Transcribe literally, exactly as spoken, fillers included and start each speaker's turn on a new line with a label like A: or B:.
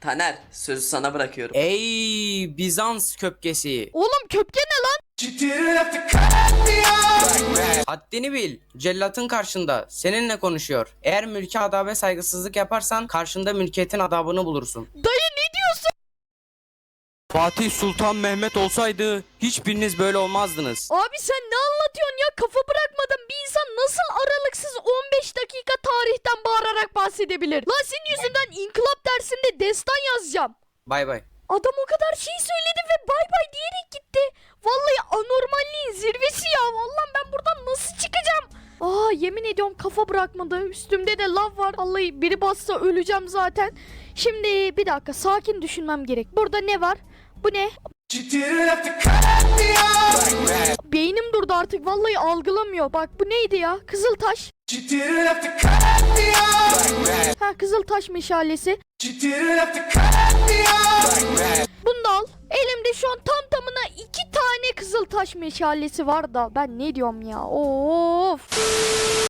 A: Taner, sözü sana bırakıyorum.
B: Ey Bizans köpkesi.
C: Oğlum köpke ne lan?
B: Haddini bil. Cellatın karşında. Seninle konuşuyor. Eğer mülki adabe saygısızlık yaparsan karşında mülkiyetin adabını bulursun.
C: Dayı ne diyorsun?
B: Fatih Sultan Mehmet olsaydı hiçbiriniz böyle olmazdınız.
C: Abi sen ne anlatıyorsun ya? Kafa bırakmadan bir insan nasıl aralıksız on beş dakika tarihten bağırarak bahsedebilir? Lan senin yüzünden inkılap dersinde destan yazacağım.
B: Bay bay.
C: Adam o kadar şey söyledi ve bay bay diyerek gitti. Vallahi anormalliğin zirvesi ya. Vallahi ben buradan nasıl çıkacağım? Aa yemin ediyorum kafa bırakmadı. Üstümde de lav var. Vallahi biri bassa öleceğim zaten. Şimdi bir dakika sakin düşünmem gerek. Burada ne var? Bu ne? Beynim durdu artık. Vallahi algılamıyor. Bak bu neydi ya? Kızıltaş. Ha Kızıltaş meşalesi. Bunu da al. Elimde şu an tam tamına iki tane Kızıltaş meşalesi var da ben ne diyorum ya? Of.